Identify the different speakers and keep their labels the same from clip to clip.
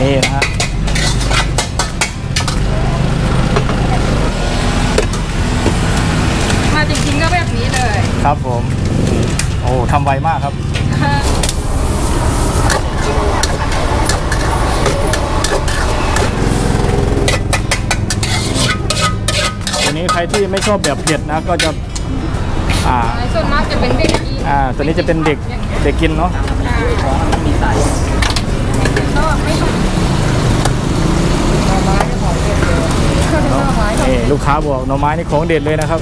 Speaker 1: นี่นะฮะ
Speaker 2: มาจริงๆก็แบบนี้เลย
Speaker 1: ครับผมโอ้ทำไวมากครับตัวนี้ใครที่ไม่ชอบแบบเผ็ดนะก็จะ
Speaker 2: ส่วนมากจะเป็นเด็กกิน
Speaker 1: ตัวนี้จะเป็นเด็กกินเนาะ
Speaker 2: มีใส่ก็ไม่ต้อง
Speaker 1: นี่ลูกค้าบอกหน่อไม้นี่ของเด็ดเลยนะครับ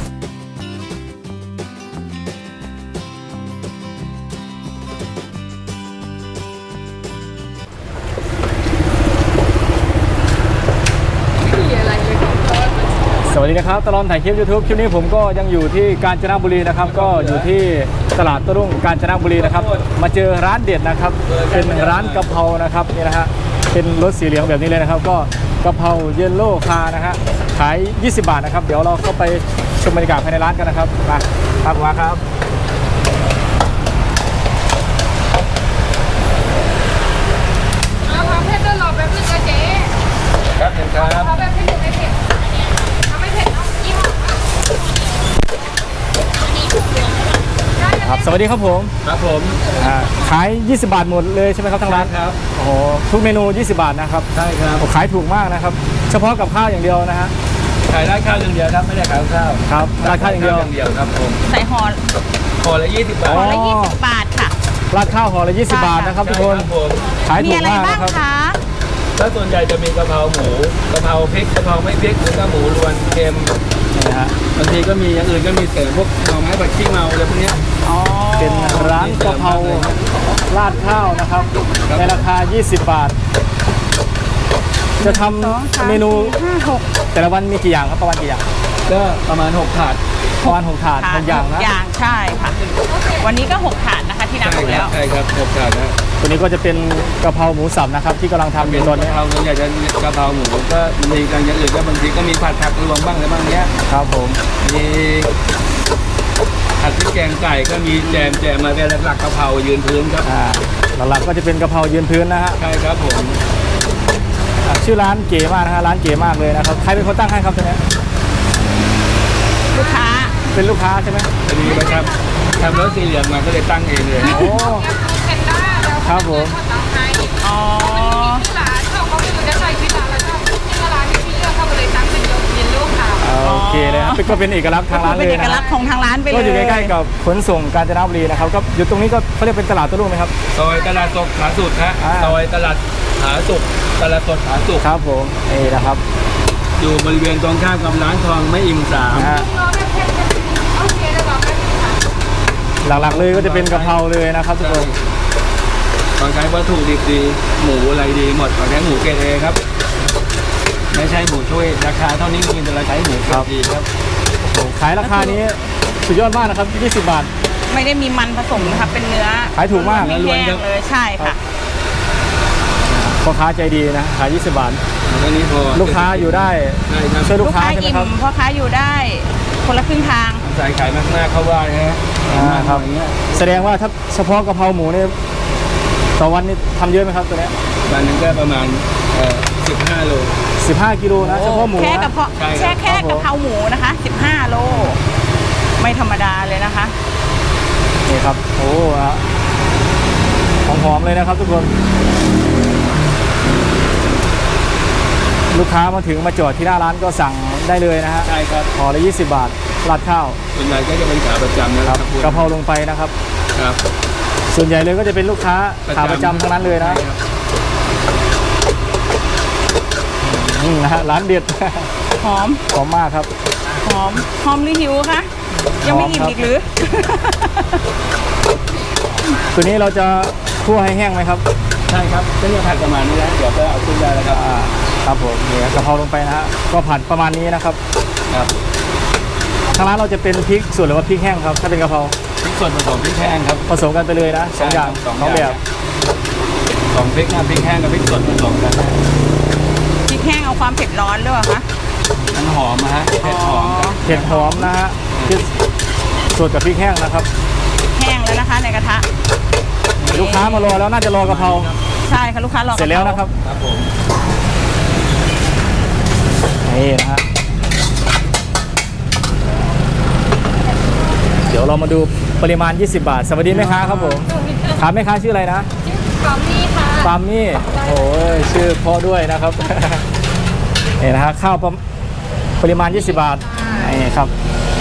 Speaker 1: สวัสดีนะครับตลอดถ่ายคลิป YouTube คลิปนี้ผมก็ยังอยู่ที่กาญจนบุรีนะครับก็อยู่ที่ตลาดโต้รุ่งกาญจนบุรีนะครับมาเจอร้านเด็ดนะครับเป็นร้านกะเพรานะครับนี่นะฮะเป็นรถสีเหลืองแบบนี้เลยนะครับก็กะเพราเยลโล่คานะฮะขาย20 บาทนะครับเดี๋ยวเราเข้าไปชมบรรยากาศภายในร้านกันนะครับมาครับมาครับ
Speaker 2: เอาความเผ็ดด้วยรอแป๊บนึงนะเจ๊
Speaker 1: ครับเห็นครับ
Speaker 2: เอาแบบเผ็ดไม่เผ็ดถ้าไม่เผ็ดเอาอิ่ม
Speaker 1: ครับสวัสดีครับผม
Speaker 3: ครับผม
Speaker 1: ขาย20 บาทหมดเลยใช่ไหมครับทางร้าน
Speaker 3: ครับ
Speaker 1: โอ้โหทุกเมนู20 บาทนะครับ
Speaker 3: ใช่ครับ
Speaker 1: ขายถูกมากนะครับเฉพาะกับข้าวอย่างเดียวนะฮะ
Speaker 3: ขายราดข้าวอย่างเดียวครับไม่ได้ขายข้าว
Speaker 1: ครับราดข้าวอย่างเดียว
Speaker 3: ครับผม
Speaker 4: ใส่ห่อ
Speaker 3: ละ20 บาท
Speaker 4: ห่อละ20 บาทค่ะ
Speaker 1: ราดข้าวห่อละ20 บาทนะครับทุกคนขายถูกมากนะครับ
Speaker 3: แล้วส่วนใหญ่จะมีกะเพราหมูกะเพราพริกกะเพราไม่พริกแล้วก็หมูรวนเค็ม
Speaker 1: นะฮะ
Speaker 3: บางทีก็มีอย่างอื่นก็มีเสริมพวกหน่อไม้ผัดขี้เมาอะไรพวกนี้
Speaker 1: เป็นร้านกะเพราราดข้าวนะครับในราคา20 บาทจะทำเมนูแต่ละวันมีกี่อย่างครับประมาณกี่อย่าง
Speaker 3: ก็ประมาณ6 ถาด
Speaker 1: ประมาณ6 ถาด6 อย่างนะ
Speaker 4: อย่างใช่ค่ะวันนี้ก็6 ถาดนะคะที่นับดูแล้ว
Speaker 3: ใช่ครับ6 ถาดนะ
Speaker 1: ตัวนี้ก็จะเป็นกะเพราหมูสับนะครับที่กำลังทำอยู่ตอนนี้
Speaker 3: เราอยากจะกะเพราหมูก็มีการอย่างอื่นก็บางทีก็มีผัดผักรวมบ้างอะไรบ้างเนี้ย
Speaker 1: ครับผม
Speaker 3: มีผัดพริกแกงไก่ก็มีแจมมาเป็นหลักกะเพรายืนพื้นครับ
Speaker 1: หลักๆก็จะเป็นกะเพรายืนพื้นนะฮะ
Speaker 3: ใช่ครับผม
Speaker 1: ชื่อร้านเก๋มากนะฮะร้านเก๋มากเลยนะครับใครเป็นคนตั้งให้ครับตัวนี้
Speaker 4: ลูกค้า
Speaker 1: เป็นลูกค้าใช่ไหม
Speaker 3: ดีไหมครับทำรถสีเหลืองมาก็เลยตั้งเองเลย
Speaker 1: โอ้ครับผม
Speaker 4: อ๋อ
Speaker 2: ร้านเขาไม่รู้จะใส่ที่ร้านแล้วที่ร้านที่เลือกเขาเลยตั้งเป็นเย็นลูกค่ะ
Speaker 1: โอเคเลยครับก็เป็นเอกลักษณ์ทางร้านเลย
Speaker 4: เป็นเอกลักษณ์ของทางร้านไปเลย
Speaker 1: ก็อยู่ใกล้ๆกับขนส่งกาญจนบุรีนะครับก็อยู่ตรงนี้ก็เขาเรียกเป็นตลาดโต้รุ่งไหมครับ
Speaker 3: ซอยตลาดสดผาสุกฮะซอยตลาดผาสุกตลาดสดผาสุก
Speaker 1: ครับผมนี่นะครับ
Speaker 3: อยู่บริเวณตรงข้ามกับร้านทองไม่อิ่ม3
Speaker 1: หลักๆเลยก็จะเป็นกะเพราเลยนะครับทุกคน
Speaker 3: ตอนใช้วัตถุดิบดีหมูอะไรดีหมดตอนใช้หมูเกรด A ครับไม่ใช่หมูช่วยราคาเท่านี้กินแต่เราใช้หมูเกรด D ครับ
Speaker 1: ขายราคานี้สุดยอดมากนะครับ20 บาท
Speaker 4: ไม่ได้มีมันผสมนะครับเป็นเนื้อ
Speaker 1: ขายถูกมาก
Speaker 4: ไม่แห้งเลยใช่ค่ะ
Speaker 1: พ่อค้าใจดีนะขาย20 บาทลูกค้าอยู่ได้ช่วยลูกค้าใช่ไหมครับ
Speaker 4: พ่อค้าอยู่ได้คนละครึ่งทาง
Speaker 3: สายขายมากๆเข้าว่าฮะ
Speaker 1: ครับแสดงว่าถ้าเฉพาะกะเพราหมูนี่ต่อวันนี้ทำเยอะไหมครับตัวนี้
Speaker 3: วันนึงก็ประมาณ15 โล
Speaker 1: 15 กิโลนะเฉพาะหมู
Speaker 4: แค่กะเพราหมูนะคะ15 โลไม่ธรรมดาเลยนะคะ
Speaker 1: นี่ครับโอ้หอมๆเลยนะครับทุกคนลูกค้ามาถึงมาจอดที่หน้าร้านก็สั่งได้เลยนะฮะ
Speaker 3: ใช่ครับ
Speaker 1: ห่อละ20 บาทราดข้าว
Speaker 3: ส่วนใหญ่ก็จะเป็นขาประจำนะครับ
Speaker 1: กะเพราลงไปนะครับ
Speaker 3: ครับ
Speaker 1: ส่วนใหญ่เลยก็จะเป็นลูกค้าขาประจำทั้งนั้นเลยนะนะฮะร้านเด็ด
Speaker 4: หอม
Speaker 1: มากครับ
Speaker 4: หอมหรือหิวคะยังไม่อิ่มอีกหรือ
Speaker 1: ตัวนี้เราจะคั่วให้แห้งไหมครับ
Speaker 3: ใช่ครับจะเนี่ยผัดประมาณนี้นะเดี๋ยวก็เอาขึ้นได้แล้วครับ
Speaker 1: ครับผมเนี่ยกะเพราลงไปนะฮะก็ผัดประมาณนี้นะครับ
Speaker 3: ครับ
Speaker 1: ทางร้านเราจะเป็นพริกส่วนหรือว่าพริกแห้งครับถ้าเป็นกะเพรา
Speaker 3: พริกส่วนผสมพริกแห้งครับ
Speaker 1: ผสมกันไปเลยนะ2 อย่าง2 แบบ
Speaker 3: 2 พริกนะพริกแห้งกับพริกสดผสมกัน
Speaker 4: พริกแห้งเอาความเผ็ดร้อนหรือเปล่าคะ
Speaker 3: มันหอมนะฮะเผ็ดหอม
Speaker 1: นะฮะพริกสดกับพริกแห้งนะครับ
Speaker 4: แห้งแล้วนะคะในกระทะ
Speaker 1: ลูกค้ามารอแล้วน่าจะรอกะเพรา
Speaker 4: ใช่ค่ะลูกค้ารอ
Speaker 1: เสร็จแล้วนะครับ
Speaker 3: ครับผม
Speaker 1: นี่นะฮะเดี๋ยวเรามาดูปริมาณ 20 บาท สวัสดีแม่ค้าครับผมถามแม่ค้าชื่ออะไรนะ
Speaker 2: ปามี่ค่ะ
Speaker 1: ปาล์มมี่โอ้ยชื่อเพ่อด้วยนะครับ นี่นะฮะข้าวปริมาณ 20 บาทนี่ครับ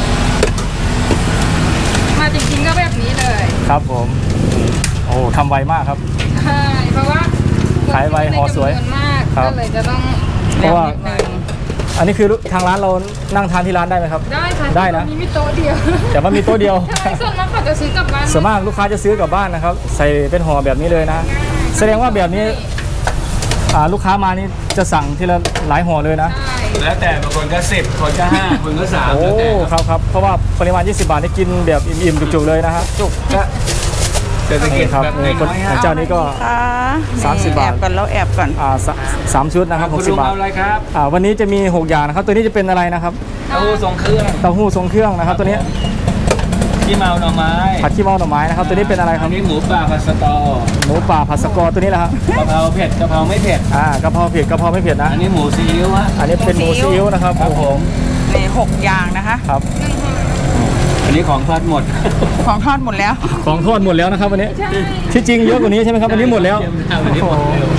Speaker 2: มาจริงๆก็แบบนี้เลย
Speaker 1: ครับผมโอ้ทำไวมากครับ
Speaker 2: ใช่เพราะว่า
Speaker 1: ขายไวห่อสวย
Speaker 2: จำนนมาก
Speaker 1: ครับ
Speaker 2: ก็เลยจะต้อง
Speaker 1: เพราะว่า
Speaker 4: นิดนึง
Speaker 1: อันนี้คือทางร้านเรานั่งทานที่ร้านได้ไหมครับ
Speaker 2: ได้ค่ะ
Speaker 1: ได้นะ
Speaker 2: มีโต๊ะเดียว
Speaker 1: แต่ว่ามีโต๊ะเดียว
Speaker 2: ใช่ส่วนมากเขาจะซื้อกลับบ้าน
Speaker 1: ส่วนมากลูกค้าจะซื้อกลับบ้านนะครับ ใส่เป็นห่อแบบนี้เลยนะ แสดงว่าแบบนี้ลูกค้ามานี่จะสั่งทีละหลายห่อเลยนะ
Speaker 2: ใช่
Speaker 3: แล้วแต่บางคนก็10คนก็5คนก็3
Speaker 1: โอ้
Speaker 3: แล้วแต่
Speaker 1: ครับครับเพราะว่าปริมาณ 20 บาทนี่กินแบบอิ่มๆจุกๆเลยนะฮะจุกก็
Speaker 3: เศรษฐกิจ
Speaker 1: นี่ครับ
Speaker 3: แบบ
Speaker 1: นี่คน
Speaker 3: น้อยๆ
Speaker 1: เจ้านี้ก็
Speaker 4: ค่ะ
Speaker 1: 30 บาท
Speaker 4: แอบก่อนแล้วแอบก่อน
Speaker 1: สามชุดนะครับ
Speaker 3: คุณ
Speaker 1: 60
Speaker 3: ลุง
Speaker 1: บาท
Speaker 3: เอาอะไรครับ
Speaker 1: วันนี้จะมี 6 อย่างนะครับ ตัวนี้จะเป็นอะไรนะครับ
Speaker 3: เต้าหู้ทรงเครื่อง
Speaker 1: เต้าหู้ทรงเครื่องนะครับ ตัวนี้
Speaker 3: ขี้เมาหน่อไม้
Speaker 1: ผัดขี้เมาหน่อไม้นะครับ ตัวนี้เป็นอะไรค
Speaker 3: อั
Speaker 1: รับ
Speaker 3: นนี้หมูป่าผัดสตอ
Speaker 1: หมูป่าผัดสกอร์ตัวนี้แหละครับ
Speaker 3: กะเพราเผ็ดกะเพราไม่เผ็ด
Speaker 1: กะเพราเผ็ดกะเพราไม่เผ็ดนะ
Speaker 3: อันนี้หมูซีอิ๊วฮะ
Speaker 1: อันนี้เป็นหมูซีอิ๊วนะครับ
Speaker 3: ครับผม
Speaker 4: นี่6อย่างนะคะ
Speaker 1: ครับ
Speaker 3: อันนี้ของทอดหมด
Speaker 4: ของทอดหมดแล้ว
Speaker 1: ของทอดหมดแล้วนะครับวันนี้ที่จริงเยอะกว่านี้ใช่ไหมครับวันนี้หมดแล้ว
Speaker 3: วันนี้หมดเร็ว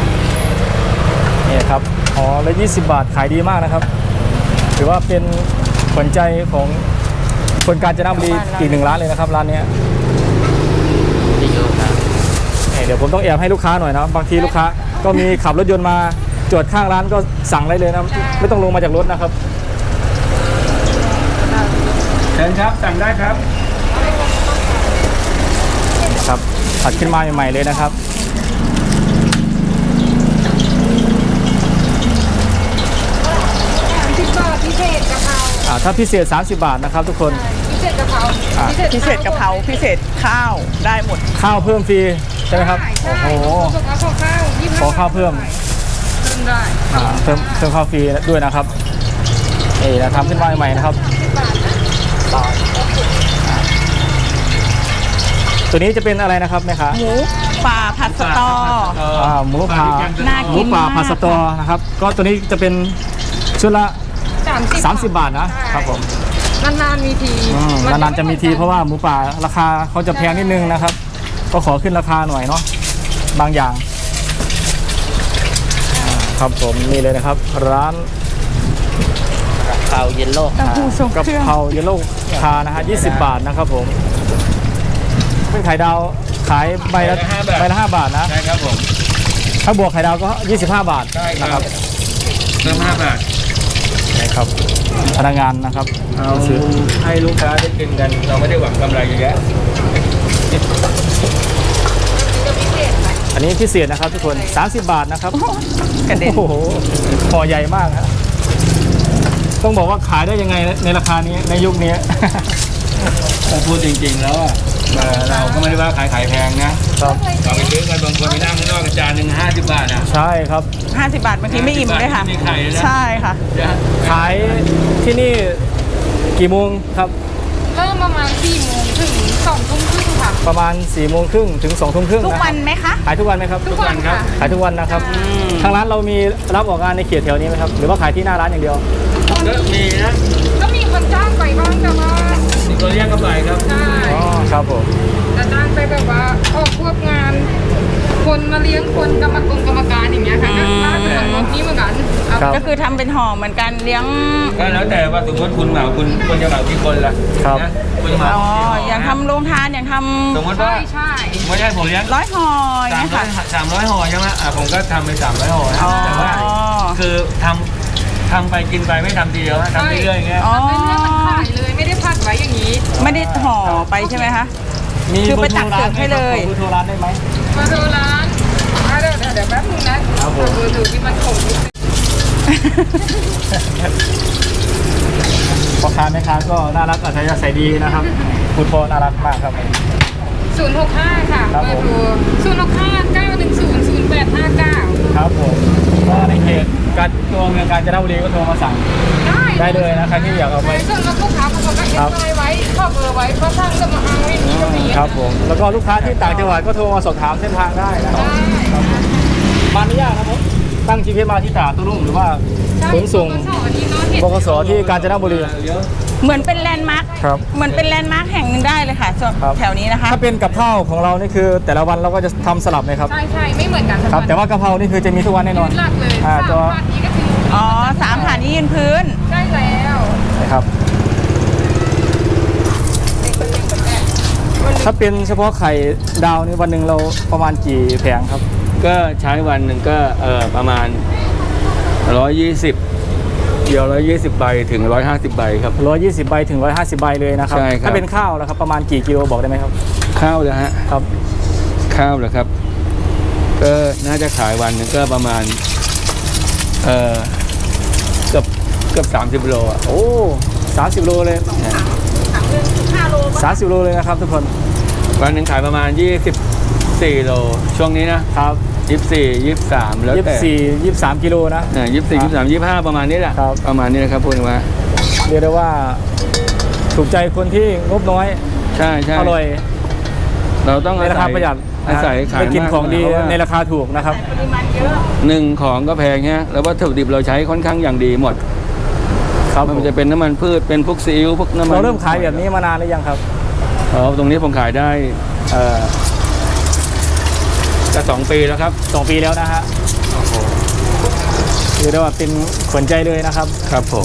Speaker 1: นี่ครับอ๋อแล้ว20 บาทขายดีมากนะครับถือว่าเป็นขวัญใจของคนกาญจนบุรีอีกหนึ่งร้านเลยนะครับร้านเนี้ยเดี๋ยวผมต้องแอบให้ลูกค้าหน่อยนะบางทีลูกค้าก็มีขับรถยนต์มาจอดข้างร้านก็สั่งได้เลยนะไม่ต้องลงมาจากรถนะครับ
Speaker 3: เชิญครับสั่งได้ครับ
Speaker 1: ครับผัดขึ้นมาใหม่ๆเลยนะครับ
Speaker 2: 30 บาทพิเศษกะเพรา
Speaker 1: ถ้าพิเศษ 30 บาทนะครับทุกคน
Speaker 2: พิเศษกะเพรา
Speaker 4: พิเศษกะเพราพิเศษข้าวได้หมด
Speaker 1: ข้าวเพิ่มฟรีใช่ไหมครับ
Speaker 2: ใช่
Speaker 1: โอ้โห
Speaker 2: ขอข้าว25
Speaker 1: ขอข้าวเพิ่ม
Speaker 2: เพิ่มได้
Speaker 1: เพิ่มข้าวฟรีด้วยนะครับนี่นะทำขึ้นมาใหม่ๆนะครับ
Speaker 2: 30 บาทนะ
Speaker 1: ตัวนี้จะเป็นอะไรนะครับแม่ค้า
Speaker 4: หมูป่าผัดสตอ
Speaker 1: หมูป่า
Speaker 4: น่า
Speaker 1: ห
Speaker 4: กิ
Speaker 1: มู
Speaker 4: น
Speaker 1: ป่าม
Speaker 4: าก
Speaker 1: ผัดสตอนะครับ ก็ตัวนี้จะเป็นชุดละ 30 บาทนะครับผม
Speaker 2: นานๆมีที
Speaker 1: นานๆจะมีทีเพราะว่าหมูป่าราคาเขาจะแพงนิดนึงนะครับ ก็ขอขึ้นราคาหน่อยเนาะบางอย่างครับผมนี่เลยนะครับ ร้าน
Speaker 3: เตาเยลโล่
Speaker 4: เต้าหู้ทรง
Speaker 1: กะ
Speaker 4: เครื่อง
Speaker 1: เพราเยลโล่คานะฮะ20 บาทนะครับผมเป็นไข่ดาวขายใบละ5 บาทนะ
Speaker 3: ใช่ครับผม
Speaker 1: ถ้าบวกไข่ดาวก็ 25 บาท
Speaker 3: ใช่ค
Speaker 1: นะค
Speaker 3: รั
Speaker 1: รั
Speaker 3: บบ เพิ่ม5 บาท
Speaker 1: นะครับพนักงานนะครับ
Speaker 3: เอา
Speaker 1: ซื้อ
Speaker 3: ให้ลูกค้าได้กินกัน เราไม่ได้หวังกำไรเยอะแยะ
Speaker 1: อันนี้พิเศษนะครับทุกคน30 บาทนะครับ
Speaker 4: กระเด็น
Speaker 1: โอ้โหห่อใหญ่มากฮะต้องบอกว่าขายได้ยังไงในราคานี้ในยุคนี้
Speaker 3: ถ้าพูดจริงๆแล้วอะเราก็ไม่ได้ว่าขายแพงนะครับ เราไปซื้อกันบางคนไปนั่งข้างนอกจานหนึ่ง50 บาทอ่ะ
Speaker 1: ใช่ครับ
Speaker 4: 50 บาทบางทีไม่อิ่มด้วยค่ะ
Speaker 3: ไม่มีไข่เลยนะ
Speaker 4: ใช่ค่ะ
Speaker 1: ขายที่นี่กี่โมงครับ
Speaker 2: เริ่มประมาณ4 โมงถึง2 ทุ่มครึ่งค่ะ
Speaker 1: ประมาณ4 โมงครึ่งถึง2 ทุ่มครึ่ง
Speaker 4: ทุก
Speaker 1: นะ
Speaker 4: วันไหมคะ
Speaker 1: ขายทุกวันไหมครับ
Speaker 2: ทุกวันค่ะ
Speaker 1: ขายทุกวันนะครับทางร้านเรามีรับออกงานในเขตแถวนี้ไหมครับหรือว่าขายที่หน้าร้านอย่างเดียว
Speaker 3: ก็มีนะ
Speaker 2: ก็มีคนจ้างไปบ้างแต่ว่า
Speaker 3: มีคนเรียกก็ไปครับ
Speaker 2: ใช่
Speaker 1: อ๋อครับผม
Speaker 2: แต่จ้างไปแบบว่าออกพวกงาน คนมาเลี้ยงคนกรรมการอย่างเงี้ยค่ะก็น่าจะทำรถนี้เหมือนกันเอา
Speaker 1: ครับ
Speaker 4: ก็คือทำเป็นห่อเหมือนกันเลี้ยง
Speaker 3: ก็แล้วแต่ว่าสมมติคุณเหมาคุณจะเหมากี่คนล่ะ
Speaker 1: ครับ
Speaker 3: นะคุณจะเหมา
Speaker 4: อ๋อ
Speaker 3: กี่ห่
Speaker 4: อย่างทำโรงทานอย่างท
Speaker 3: สมมติ
Speaker 2: ใช่
Speaker 3: ว่า
Speaker 2: ใช่
Speaker 3: ไม่ใช่ผมเลี้ยง
Speaker 4: ำ100ห่ออย่างเงี้ยค่ะ
Speaker 3: 300 ห่อใช่ไหมผมก็ทำไป300 ห่อนะ
Speaker 4: อ๋อ
Speaker 3: แต่ว่าคือทำไปกินไปไม่ทำทีเดียวนะทำเรื่อยๆอย่างเงี้ย
Speaker 4: อ๋อ
Speaker 2: เป็นเรื่องมันขายเลยไม่ได้พักไว้อย่างนี้
Speaker 4: ไม่ได้ห่อไปใช่ไหมคะ
Speaker 1: มี
Speaker 4: คือไปตักเสิร์ฟให้เลย
Speaker 1: เบอร์โทรร้านได้ไหม
Speaker 2: มาดูร้านเดี๋ยวแป๊บนึงนะครับ
Speaker 1: ผม
Speaker 2: ดูที่มันคงอยู่
Speaker 1: พ่อค้าแม่ค้าก็น่ารักอัธยาศัยดีนะครับคุณพ่อน่ารักมากครับ
Speaker 2: 065 ค่ะ
Speaker 1: ครับ
Speaker 2: เบอ
Speaker 1: ผม
Speaker 2: ร์โทร065-910-0859
Speaker 1: ครับผมก็ในเขตการตัวเมืองกาญจนบุรีก็โทรมาสั่ง ได้เลยนะใครที่อยากเอาไป
Speaker 2: ส่วนลูกค้าบางคนก็เอ็นไว้ข้อเบอร์ไว้เพราะทางจะมาเอาไว้นี่ก็มี
Speaker 1: ครับผมแล้วก็ลูกค้าที่ต่างจังหวัดก็โทรมาสอบถามเส้นทางได้นะครับ
Speaker 2: ได้
Speaker 1: ตั้ง GPS มาที่ตลาดโต้รุ่งหรือว่าขนส่ง บกสที่กาญจนบุรี
Speaker 4: เหมือนเป็นแลนด์มาร์ค
Speaker 1: ครับ
Speaker 4: เหมือนเป็นแลนด์มาร์คแห่งหนึ่งได้เลยค่ะส่วน
Speaker 1: ครับ
Speaker 4: แถวนี้นะคะ
Speaker 1: ถ้าเป็นกับข้าวของเรานี่คือแต่ละวันเราก็จะทำสลับเลยครับ
Speaker 2: ใช่ไม่เหมือนกัน
Speaker 1: ครับ แต่ว่ากะเพรานี่คือจะมีทุกวันแน่นอน
Speaker 2: หลักเลย
Speaker 1: ตัว
Speaker 2: 3 บาทนี้ก็คือ
Speaker 4: อ๋อ3 ฐานนี้ยืนพื้น
Speaker 2: ใช่แล้ว
Speaker 1: นะครับ ถ้าเป็นเฉพาะไข่ดาวนี่วันหนึ่งเราประมาณกี่แผงครับ
Speaker 3: ก็ใช้วันหนึ่งก็ประมาณ 120 เดียว120 ใบถึง 150 ใบครับ
Speaker 1: 120 ใบถึง 150 ใบเลยนะครับ
Speaker 3: ใช่ครับ
Speaker 1: ถ้าเป็นข้าวแล้วครับประมาณกี่กิโลบอกได้ไหมครับ
Speaker 3: ข้าวนะฮะ
Speaker 1: ครับ
Speaker 3: ข้าวเหรอครับ ก็น่าจะขายวันหนึงก็ประมาณเกือบ30 โลอ่ะ
Speaker 1: โอ้30 โลเลย
Speaker 4: 5 โล
Speaker 1: 30 โลเลยนะครับทุกคน
Speaker 3: วันหนึ่งขายประมาณ24 โลช่วงนี้นะครับ 24 23แล้วแต่
Speaker 1: 23 กิโลนะ
Speaker 3: 24 23 25ประมาณนี้แหละ
Speaker 1: ครับ
Speaker 3: ประมาณนี้นะครับพูดถึงว่า
Speaker 1: เรียกได้ว่าถูกใจคนที่งบน้อย
Speaker 3: ใช่ใช่
Speaker 1: อร่อย
Speaker 3: เราต้อง
Speaker 1: ในราคาประหยัด
Speaker 3: อาศัยขาย
Speaker 1: ได้กิน
Speaker 3: มาก
Speaker 1: ของดี
Speaker 3: เพราะว่า
Speaker 1: ในราคาถูกนะครับ
Speaker 4: ปริมาณเยอะ
Speaker 3: หนึ่งของก็แพงฮะแล้ววัตถุดิบเราใช้ค่อนข้างอย่างดีหมด
Speaker 1: ครับ
Speaker 3: มันจะเป็นน้ำมันพืชเป็นพวกซีอิ๊วพวกน้ำมัน
Speaker 1: เราเริ่มขายแบบนี้มานานหรือยังครับ
Speaker 3: ตรงนี้ผมขายได้จะ2 ปีแล้วครับ
Speaker 1: 2 ปีแล้วนะฮะเรียกได้ว่าเป็นขวัญใจเลยนะครับ
Speaker 3: ครับผม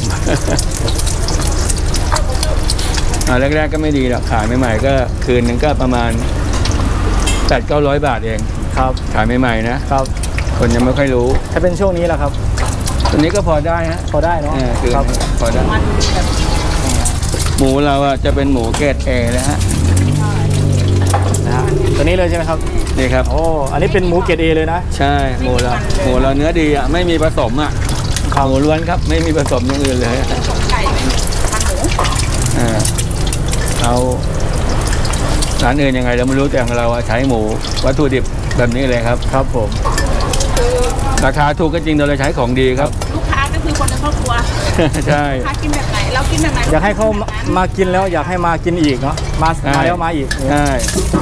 Speaker 3: แรกๆก็ไม่ดีหรอกขายใหม่ๆก็คืนหนึงก็ประมาณ 800-900 บาทเอง
Speaker 1: ครับ
Speaker 3: ขายใหม่ๆนะครับ คนยังไม่ค่อยรู้
Speaker 1: ถ้าเป็นช่วงนี้แหละครับ
Speaker 3: ตัวนี้ก็พอได้ฮะ
Speaker 1: พอได้เนาะ
Speaker 3: คือ
Speaker 1: ครับ
Speaker 3: พอได้หมูเราอะจะเป็นหมูเกรดเอนะฮะ
Speaker 1: นะฮะตัวนี้เลยใช่ไหมครับ
Speaker 3: นี่ครับ
Speaker 1: โอ้อันนี้เป็นหมูเกรดเอเลยนะ
Speaker 3: ใช่หมูเราเนื้อดีอะไม่มีผสมอะ
Speaker 1: ครับ
Speaker 3: หมูล้วนครับไม่มีผสมอย่างอื่นเลยอะ
Speaker 4: ไก่ไม่มีมันหมู
Speaker 3: เอาร้านอื่นยังไงเราไม่รู้แต่ของเราอะใช้หมูวัตถุดิบแบบนี้เลยครับ
Speaker 1: ครับผม
Speaker 3: ราคาถูกก็จริงแต่เราใช้ของดีครับ
Speaker 4: ลูกค้าก็คือคนในครอบครัว
Speaker 3: ใช่
Speaker 4: ลูกค้ากินแบบไหน เรากินแบบไหน
Speaker 1: อยากให้เขามากินแล้วอยากให้มากินอีกเนาะมา
Speaker 3: ใช่
Speaker 1: แล้วมาอีก
Speaker 3: ใช่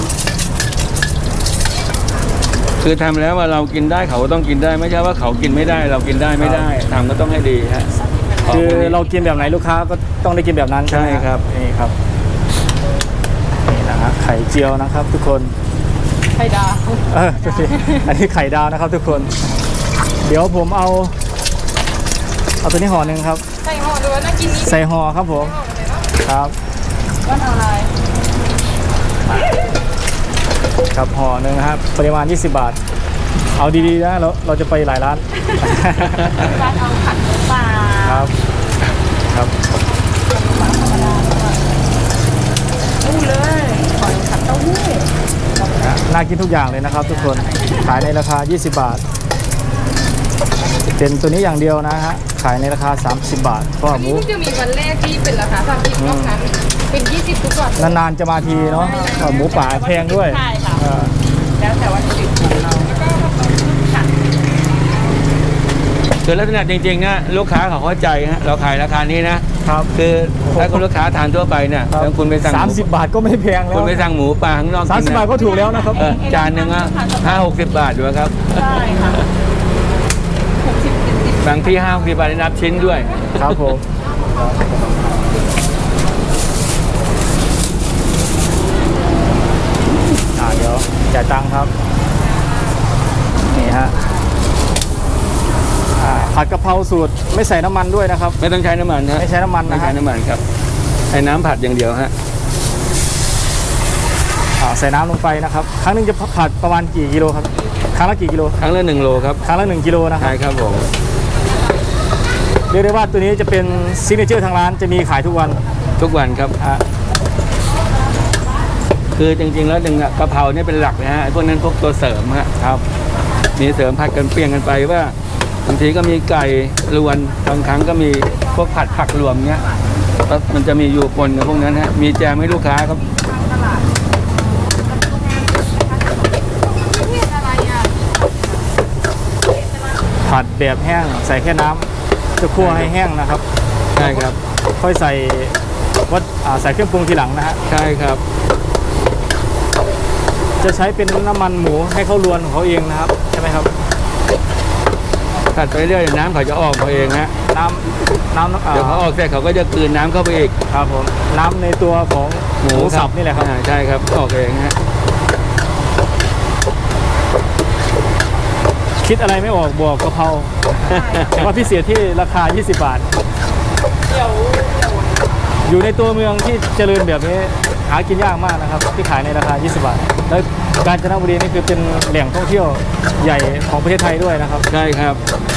Speaker 3: คือทำแล้วว่าเรากินได้เขาก็ต้องกินได้ไม่ใช่ว่าเขากินไม่ได้ เรากินได้ไม่ได้ทำก็ต้องให้ดีฮะ
Speaker 1: คือ
Speaker 3: ขงพวกนี้
Speaker 1: เรากินแบบไหนลูกค้าก็ต้องได้กินแบบนั้น
Speaker 3: ใช่ครับ
Speaker 1: นี่ครับนี่นะฮะไข่เจียวนะครับ ทุกคน
Speaker 4: ไข่ดาว
Speaker 1: ดูสิอันนี้ไข่ดาวนะครับ ทุกคน เดี๋ยวผมเอาตัวนี้ห่อหนึ่งครับ
Speaker 2: ใส่ห่อด้วยน่ากินนี้
Speaker 1: ใส่ห่อครับผม
Speaker 2: ห่อเลยเนาะ
Speaker 1: ครับ
Speaker 4: ก็อะไร
Speaker 1: ครับห่อหนึ่งนะครับปริมาณ 20 บาท เอาดีๆนะเราจะไปหลายร้าน
Speaker 4: ร้านเอาผัดหมูป่า
Speaker 1: ครับครับ
Speaker 4: ตู้เลยขอยผัดเต้าหู้
Speaker 1: น่ากินทุกอย่างเลยนะครับ ทุกคนขายในราคา 20 บาท เป็นตัวนี้อย่างเดียวนะฮะขายในราคา 30 บาทเพราะ
Speaker 2: อั
Speaker 1: ว่าน หมู
Speaker 2: นี้เพิ่งจะมีวันแรกที่เป็นราคา30รอบนั้นเป็น20ทุกวัน
Speaker 1: นานๆจะมาทีเนาะหมูป่าแพงด้วย
Speaker 4: ใช่ค่ะ
Speaker 1: เออ
Speaker 4: แล้วแต่วัตถุดิบของเราค่ะ
Speaker 3: คือลักษณะจริงๆนะลูกค้าเขาเข้าใจฮะเราขายราคานี้นะครับ คือถ้าคุณลูกค้าทานทั่วไปเนี่ยแล้วคุณไปสั่งหมู
Speaker 1: 30 บาทก็ไม่แพงแล้
Speaker 3: คุ
Speaker 1: ว
Speaker 3: ณไปสั่งหมูป่าข้างนอกกิน
Speaker 1: 30 บาทก็ถูกแล้วนะครับ
Speaker 3: จานหนึ่งอะ50-60 บาทอยู่ครับ
Speaker 4: ใช่ค่ะ60-70
Speaker 3: บางที่50-60 บาทได้นับชิ้นด้วย
Speaker 1: ครับผมเดี๋ยวจ่ายตังค์ครับนี่ฮะผัดกะเพราสูตรไม่ใส่น้ำมันด้วยนะครับ
Speaker 3: ไม่ต้องใช้น้ำมันฮะ
Speaker 1: ไม่ใช้น้ำมัน
Speaker 3: ไม่
Speaker 1: นะ
Speaker 3: ใช้
Speaker 1: ฮะ
Speaker 3: น้ำมันครับใช้น้ำผัดอย่างเดียวฮะ
Speaker 1: ใส่น้ำลงไปนะครับ ครั้งหนึงจะผัดประมาณกี่กิโลครับ ครั้งละกี่กิโล
Speaker 3: ครั้งละ1 โลครับ
Speaker 1: ครั้งละ1 กิโลนะครั
Speaker 3: ใช่
Speaker 1: บ
Speaker 3: ครับผม
Speaker 1: เรียกได้ว่าตัวนี้จะเป็นซิกเนเจอร์ทางร้านจะมีขายทุกวัน
Speaker 3: ทุกวันครับ
Speaker 1: อ่ะ
Speaker 3: คือจริงๆแล้วกะเพราเนี่ยเป็นหลักนะฮะไอ้พวกนั้นพวกตัวเสริมฮะครับมีเสริมผัดกันเปลี่ยนกันไปว่าบางทีก็มีไก่รวนบางครั้งก็มีพวกผัดผักรวมเงี้ยแล้วมันจะมีอยู่ปนกับพวกนั้นฮะมีแจมให้ลูกค้าครับ
Speaker 1: ผัดแบบแห้งใส่แค่น้ำจะคั่วให้แห้งนะครับ
Speaker 3: ใช่ครับ
Speaker 1: ค่อยใส่ใส่เครื่องปรุงทีหลังนะฮะ
Speaker 3: ใช่ครับ
Speaker 1: จะใช้เป็นน้ำมันหมูให้เขาลวนของเขาเองนะครับใช่ไหมครับ
Speaker 3: ผัดไปเรื่อยน้ำเขาจะออกมาเองฮะ
Speaker 1: น้ำ
Speaker 3: เดี๋ยวเขาออกเสร็จเขาก็จะกลืนน้ำเข้าไปอีก
Speaker 1: ครับผมน้ำในตัวของหมูสับนี่แหละครับ
Speaker 3: ใช่ครับออกเองฮะ
Speaker 1: คิดอะไรไม่ออกบวกกะเพราแต่ว่าพิเศษที่ราคา 20 บาท อยู่ในตัวเมืองที่เจริญแบบนี้หากินยากมากนะครับที่ขายในราคา 20 บาท แล้วกาญจนบุรีนี่คือเป็นแหล่งท่องเที่ยวใหญ่ของประเทศไทยด้วยนะครับ
Speaker 3: ใช่ครับ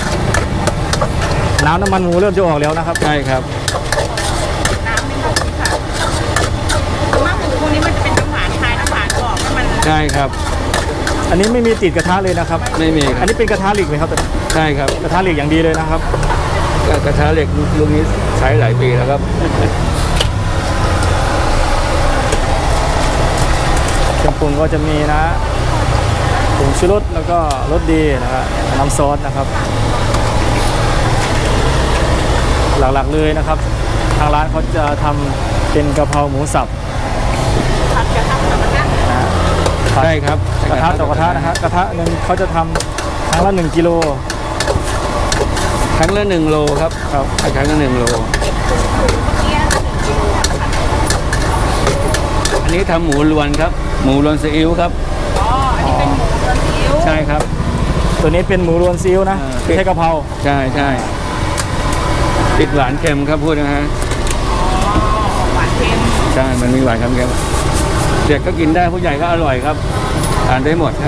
Speaker 1: น้ำมันหมูเริ่มจะออกแล้วนะครับ
Speaker 3: ใช่ครับ
Speaker 4: น้ำไม่หมดค่ะมากหมูพวกนี้มันจะเป็นน้ำหวานคลายน้ำหวานออกให้มัน
Speaker 3: ใช่ครับ
Speaker 1: อันนี้ไม่มีติดกระทะเลยนะครับ
Speaker 3: ไม่มีค
Speaker 1: อั
Speaker 3: รั
Speaker 1: น
Speaker 3: บ
Speaker 1: นี้เป็นกระทะเหล็กไหมครับ
Speaker 3: ใช่ครับ
Speaker 1: กระทะเหล็กอย่างดีเลยนะครับ
Speaker 3: กระทะเหล็กลูกนี้ใช้หลายปีแล้วครับ
Speaker 1: เครื่องปรุงก็จะมีนะผงชูรสแล้วก็รสดีนะครับน้ำซอสนะครับ หลักๆเลยนะครับ ทางร้านเขาจะทำเป็นกะเพราหมูสับ
Speaker 4: ผัดกระทะกับกระทะ
Speaker 1: นะฮะ
Speaker 3: ใช่ครับ
Speaker 1: กระทะต่อกระทะนะฮะกระทะหนึ่งเขาจะทำครั้งละ1 กิโล
Speaker 3: ครั้งละ1 โลครับ
Speaker 1: ครับ
Speaker 3: ครั้งละ1 โล อันนี้ทำหมูรวนครับ หมูรวนซีอิ๊วครับ
Speaker 4: อ๋ออันนี้เป็นหมูกระเทียม
Speaker 1: ใช่ครับ ตัวนี้เป็นหมูรวนซีอิ๊วนะ
Speaker 3: อ่า
Speaker 1: ไม่ใช่กะเพรา
Speaker 3: ใช่ใช่ติดหวานเค็มครับพูดนะฮะ
Speaker 4: หวานเค็ม
Speaker 3: ใช่ มันมีหวานเค็มเด็กก็กินได้ผู้ใหญ่ก็อร่อยครับทานได้หมดครับ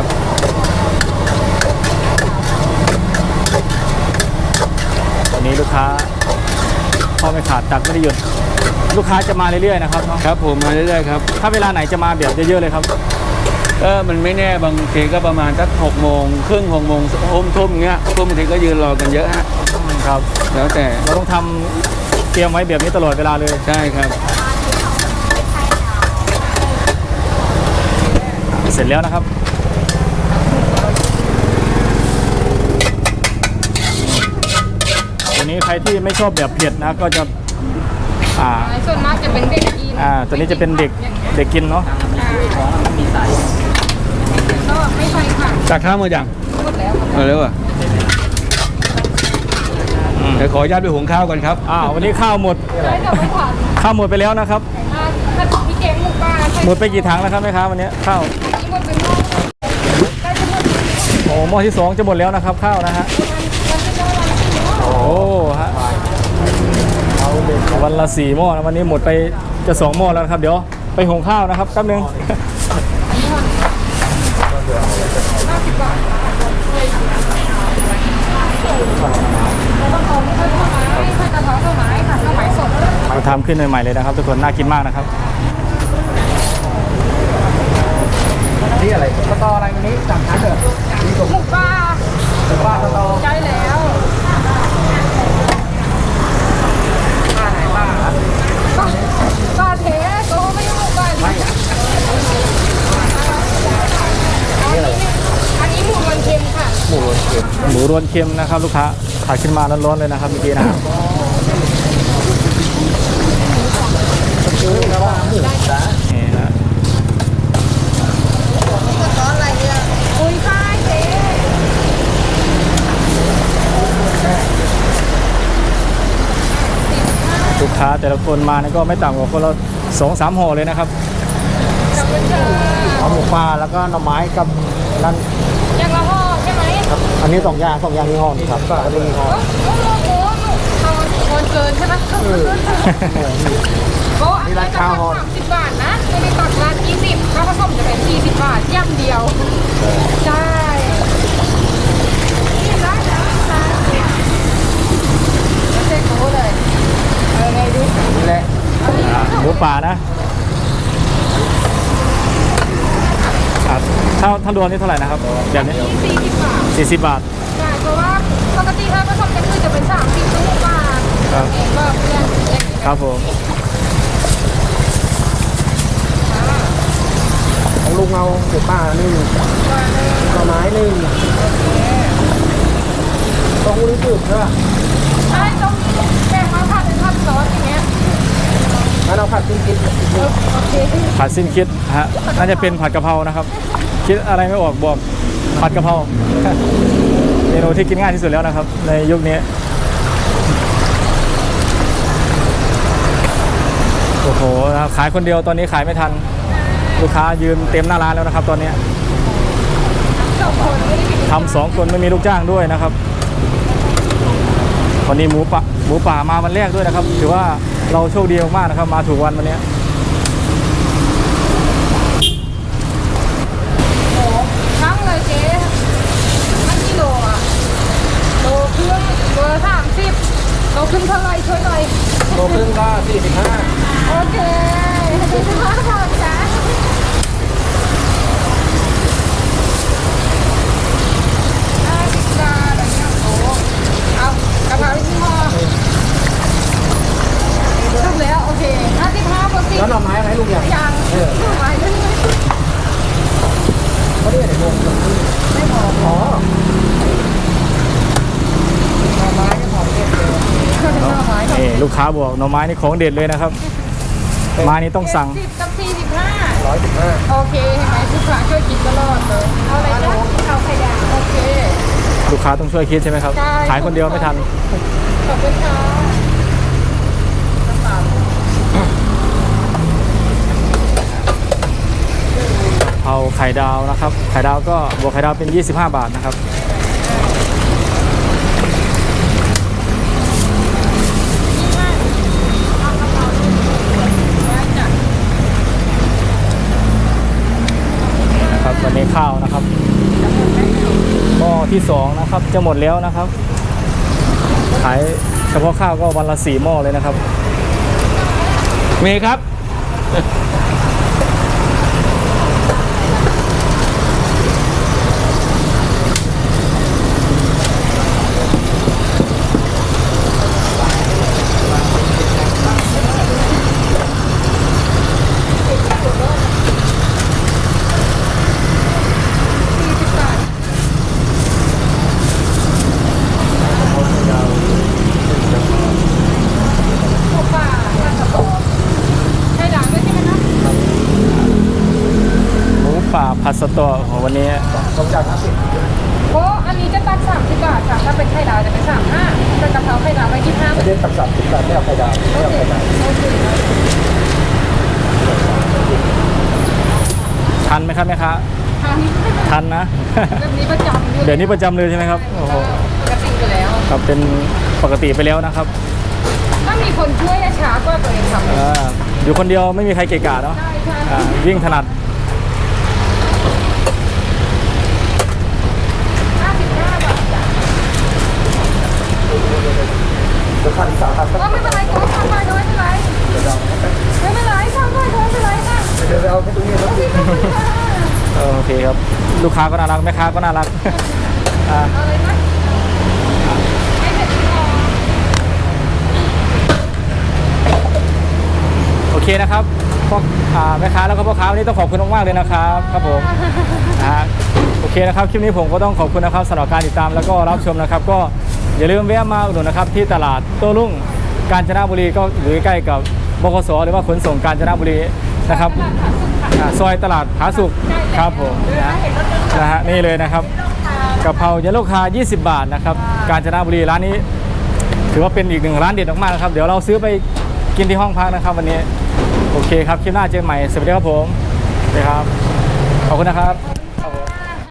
Speaker 1: วันนี้ลูกค้าพอไม่ขาดตักไม่ได้หยุดลูกค้าจะมาเรื่อยๆนะครับเนาะ
Speaker 3: ครับผมมาเรื่อยๆครับ
Speaker 1: ถ้าเวลาไหนจะมาแบบเยอะๆเลยครับ
Speaker 3: ก็มันไม่แน่บางทีก็ประมาณสัก6 โมงครึ่ง6 โมงทุ่มเงี้ยทุ่มบางทีก็ยืนรอกันเยอะฮะ
Speaker 1: ครับ
Speaker 3: แล้วแต่
Speaker 1: เราต้องทำเตรียมไว้แบบนี้ตลอดเวลาเลย
Speaker 3: ใช่ครับ
Speaker 1: เสร็จแล้วนะครับตัวนี้ใครที่ไม่ชอบแบบเผ็ดนะก็จะ
Speaker 2: ส่วนมากจะเป็นเด็กกิน
Speaker 1: ตัวนี้จะเป็นเด็กกินเนาะ
Speaker 2: ก็ไม่ใช่ค่ะ
Speaker 3: จากข้าวมาอย่าง
Speaker 2: หมดแล้ว
Speaker 3: เอาเร็วอ่ะเดี๋ยวขออนุญาตไปหุงข้าวก่อนครับ
Speaker 1: วันนี้ข้าวหมด
Speaker 2: ได้แต่ไม่ผ่าน
Speaker 1: ข้าวหมดไปแล้วนะครับ
Speaker 2: ถ้าพี่เกมหมูปลาใช่
Speaker 1: หมดไปกี่ถังแล้วครับแม่ค้าวันนี้ข้าว
Speaker 2: หมดเป็นหม้อได้จะหมด
Speaker 1: โอ้หม้อที่2จะหมดแล้วนะครับข้าวนะฮะ
Speaker 2: วันที่ก็วันที่หม้อ
Speaker 1: โอ้ฮะวันละ4 หม้อนะวันนี้หมดไปจะ2 หม้อแล้วนะครับ เดี๋ยวไปหุงข้าวนะครับแป๊บนึง
Speaker 2: ใส่กระเพราข้าวไม้ค่ะข้าวไม้สด
Speaker 1: มาทำขึ้นใหม่ๆเลยนะครับทุกคนน่ากินมากนะครับ
Speaker 5: นี่อะไรสตออะไรวันนี้สั่งทานเถอะ
Speaker 2: หมูปลา
Speaker 5: ว่าสตอ
Speaker 2: ใช่แล้ว
Speaker 5: ป้าไหนป้า
Speaker 2: ปลาเทก็ไม่ใช่หมูปลาอันนี้หมูมันเค็มค่ะ
Speaker 1: หมูรวนเค็มนะครับลูกค้าผัดขึ้นมาร้อนๆเลยนะครับเมื่อกี้นะครับ นี่นะ
Speaker 2: อุ้ยค่ะเจ๊
Speaker 1: ลูกค้าแต่ละคนมาเนี่ยก็ไม่ต่ำกว่าคนละ2-3 ห่อเลยนะครับ
Speaker 2: ขอบคุณค่ะ
Speaker 5: เอาหมูปลาแล้วก็หน่อไม้กับนั่น
Speaker 2: ยังละห่อใช่ไหม
Speaker 5: ครับอันนี้2 อย่างยี่ห้อนี่ครับอันนี้ยี่ห้อ
Speaker 2: โอ้โหเอาคนเกินใช่ไหมโอ้อันนี้ราคา30 บาทนะไม่ได้ตักร้าน20ถ้าผสมจะเป็น40 บาทย่ำเดียว ใช่นี่ร้านแล้วร้านเจ๊โก้เลยเอาไงดี
Speaker 5: นี่แหละ
Speaker 1: หมูป่านะถ้ารวมนี่เท่าไหร่นะครับแบบนี้
Speaker 2: 40 บาท
Speaker 1: 40 บาท
Speaker 2: ใช่เพราะว่าปกติถ้าผสมกันคือจะเป็น30 บาท
Speaker 1: ครับ
Speaker 2: เองก็เพื่อนเล็ก
Speaker 1: ครับผม
Speaker 5: ของลุงเอาหมูปลา1หน่อไม้1ต้องรู้สึกใช่ป่ะ
Speaker 2: ใช่ต้องแบ่งมาผัดเป็นผัดซอสอย่างเงี้ย
Speaker 5: งั้นเอาผัดกิน
Speaker 2: โอเค
Speaker 1: ผัดสิ้นคิดฮะน่าจะเป็นผัดกะเพรานะครับ คิดอะไรไม่ออกบอกผัดกะเพรา
Speaker 5: น
Speaker 1: เมนูที่กินง่ายที่สุดแล้วนะครับ ในยุคนี้โอ้โหขายคนเดียวตอนนี้ขายไม่ทันลูกค้ายืนเต็มหน้าร้านแล้วนะครับ ตอนนี้ทำ2 คนไม่มีลูกจ้างด้วยนะครับวันนี้หมูป่ามาวันแรกด้วยนะครับถือว่าเราโชคดีมากๆนะครับมาถูกวันวันนี้
Speaker 2: ทั้งเลยเจ๊ทั้งกิโลอ่ะโลครึ่งโล30โลครึ่งเท่าไรช่วยหน่อย
Speaker 5: โลครึ่งก็45
Speaker 2: โอเค45 บาทจ้า50 บาทอะไรเงี้ยโอ้เอากระเพราที่ห่อจบแล้วโอเค55บาท
Speaker 5: แล้วหน่อไม้ไหมลุงอย่าง
Speaker 2: ยังหน่อไม้ด้วย
Speaker 5: เขาเรียกอะไรวงไม่พออ๋อหน่อไม้ก็พอเรียกเลย
Speaker 1: นี่ลูกค้าบอกหน่อไม้นี่ของเด็ดเลยนะครับไม้นี่ต้องสั่ง
Speaker 2: 70กับ45
Speaker 5: 115
Speaker 2: โอเคเห็นไหมลูกค้าช่วยกินตลอดเลยเอาอะไรนะเอาไข่ดาวโอเค
Speaker 1: ลูกค้าต้องช่วยคิดใช่ไหมครับ
Speaker 2: ใช่
Speaker 1: ขายคนเดียวไม่ทัน
Speaker 2: ขอบคุณค่ะ
Speaker 1: เอาไข่ดาวนะครับไข่ดาวก็บวกไข่ดาวเป็น25 บาทนะครับนะครับวันนี้ข้าวนะครับหม้อที่2นะครับจะหมดแล้วนะครับขายเฉพาะข้าวก็วันละ4 หม้อเลยนะครับ
Speaker 3: มีครับ
Speaker 1: ผัดสตอของวันนี้
Speaker 5: ผมจ่าย50
Speaker 2: โอ้อันนี้จะตัด30 บาทค่ะถ้าเป็นไข่ดาวจะเป็น35เป็นกะเพราไข่ดาวไป25
Speaker 5: ไม่ได้ตัด30 บาทไม่เอาไข่ดาวไม่เอาไข่ดาว
Speaker 2: โอเค
Speaker 1: ทันไหมครับแม่ค้า
Speaker 2: ทานนี้
Speaker 1: ทันนะ
Speaker 2: แบบนี้ประจำอยู่
Speaker 1: เดี๋ยวนี้ประจำเลยใช่ไหมครับโอ้โห
Speaker 2: ปกติอยู่แล้ว
Speaker 1: ครับเป็นปกติไปแล้วนะครับ
Speaker 2: ถ้ามีคนช่วยจะช้ากว่าตัวเองทำ
Speaker 1: อยู่คนเดียวไม่มีใครเกะกะเนาะ
Speaker 2: ใช่ใช่
Speaker 1: วิ่งถนัด
Speaker 2: 55 บาทจ้ะ
Speaker 5: เดี๋ยวพัน3,000
Speaker 2: ก็ไม่เป็นไรก็ทำไปน้อยไม่เป็นไรไม่เป็นไรทำไปน้อยไม่เป็นไรค่ะ
Speaker 5: เดี๋ยวไปเอาแค่ตรงนี้แล้ว
Speaker 2: โอเคขอบคุณค่ะ
Speaker 1: โอเคครับลูกค้าก็น่ารักแม่ค้าก็น่ารัก
Speaker 2: เอาเลยไหมไม่เผ็ดพอ
Speaker 1: โอเคนะครับพ่อแม่ค้าแล้วก็พ่อค้าวันนี้ต้องขอบคุณมากๆเลยนะครับครับผมโอเคนะครับคลิปนี้ผมก็ต้องขอบคุณนะครับสำหรับการติดตามแล้วก็รับชมนะครับ ก็อย่าลืมแวะมาอุดหนุนนะครับที่ตลาดโต้รุ่งกาญจนบุรีก็อยู่ใกล้ๆกับบขสหรือว่าขนส่งกาญจนบุรีนะครับซอยตลาดผาสุกครับผมนะฮะนี่เลยนะครับกะเพราเยลโล่คา20 บาทนะครับกาญจนบุรีร้านนี้ ถือว่าเป็นอีก1ร้านเด็ดมากๆนะครับเดี๋ยวเราซื้อไปกินที่ห้องพักนะครับวันนี้โอเคครับคลิปหน้าเจอกันใหม่สวัสดีครับผมสวัสดีครับขอบคุณนะครับ